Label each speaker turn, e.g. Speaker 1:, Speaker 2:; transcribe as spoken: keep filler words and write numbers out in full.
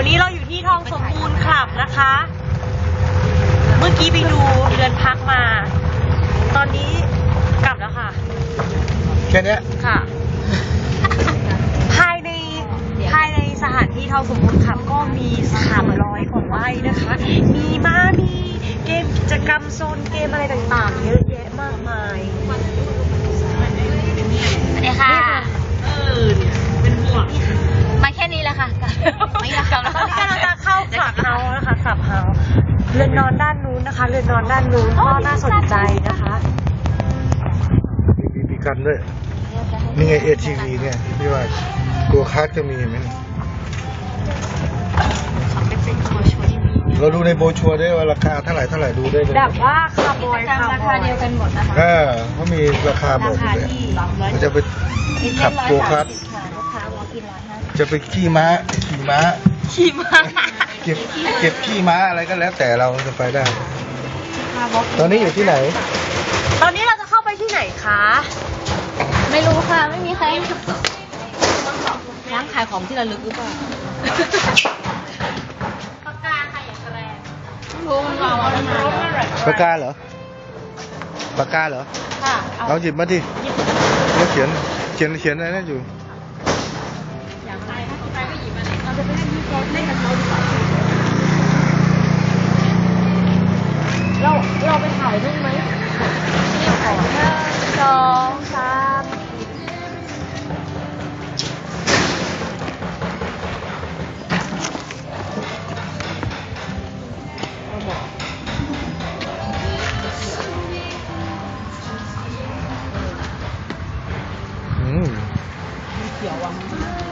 Speaker 1: วันนี้เราอยู่ที่ทองสมบูรณ์คลับนะคะ เมื่อกี้ไปดูเรือนพักมา ตอนนี้กลับแล้วค่ะ
Speaker 2: แค่นี้
Speaker 1: ค่ะ ภายในภายในสถานที่ทองสมบูรณ์คลับก็มีสามร้อยกว่าไร่นะคะ มีม้ามีเกมกิจกรรมโซนเกมอะไรต่างๆ เยอะแยะมากมาย
Speaker 3: สวัสดีค่ะเออเป็นห่วงมาแค่นี้แหละค่ะไม่ละค่ะ
Speaker 1: ตอนนี้กำลังจะเข้าคลับเฮาส์นะคะคลับเฮาส์เรือนนอนด้านนู้นนะคะ เรือนนอนด้านนู้นก็น่าสนใจนะคะ
Speaker 2: มีบีบีกันด้วยนี่ไงเอทีวีเนี่ยพี่ว่าตัวคัสก็มีเห็นไหมเราดูในโบรชัวร์ได้ว่าราคาเท่าไหร่เท่าไหร่ดูได้เลย
Speaker 1: แบบว่าคาร์บอยคาร์บอย
Speaker 3: ราคาเดียวกันหมดนะคะ
Speaker 2: เออเขามีราคาหมดเลยมันจะไปขับโกคัส
Speaker 3: ลูกค้าวอล์กอินร้อยห้าสิบ
Speaker 2: จะไปขี่ม้าขี่ม้า
Speaker 1: ขี่ม้า
Speaker 2: เก็บเก็บขี่ม้าอะไรก็แล้วแต่เราจะไปได้ ตอนนี้อยู่ที่ไหน
Speaker 1: ตอนนี้เราจะเข้าไปที่ไหนคะ
Speaker 3: ไม่รู้ค่ะไม่มีใครร้านขายของที่ระลึกหรือเปล่าปากกาค่ะอย่างแรงรู้มันบอกว่ามันรู้มัน
Speaker 2: ปากกาเหรอปากกาเหรอ
Speaker 3: ค่ะ
Speaker 2: เอาหยิบมาดิแล้วเขียนเขียนเขียนอะไรนั่นอยู่
Speaker 3: อยากไปถ้าใครก็หยิบมาเลยเราจะไปเล่นที่เขาเล่นกับเขาดีกว่าเราเราไปถ่ายรูปไหมนี่ขอหนึ่งสองสาม
Speaker 2: อืม
Speaker 3: เขียวอ่ะ